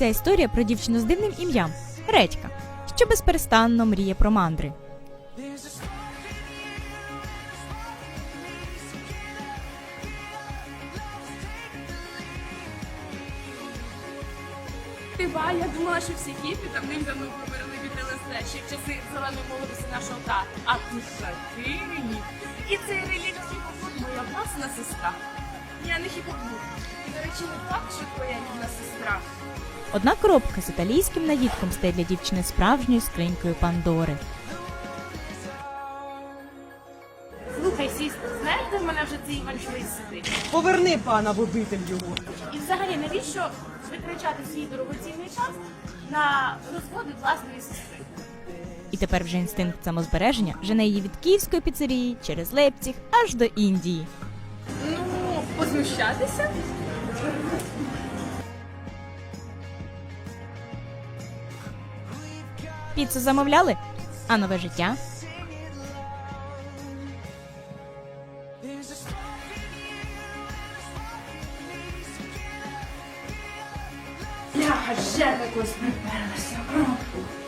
Ця історія про дівчину з дивним ім'ям – Редька, що безперестанно мріє про мандри. Я думала, що всі хіпі там давно померли від ЛСД, ще в часи зеленої молодості нашого тата. А тут такий релік. І цей релік хіпофон моя власна сестра. Я не хіпофон. І, до речі, не факт, що твоя рідна сестра. Одна коробка з італійським наїдком стає для дівчини справжньою скринькою Пандори. Слухай, сістер, знаєте, в мене вже цей Іван Швець сидить. Поверни пана в обитель його. І взагалі, навіщо витрачати свій дорогоцінний час на розводи власної сестри? І тепер вже інстинкт самозбереження жене її від київської піцерії через Лейпціг аж до Індії. Ну, познущатися? Піцу замовляли? А нове життя? Я вже якось приперлася.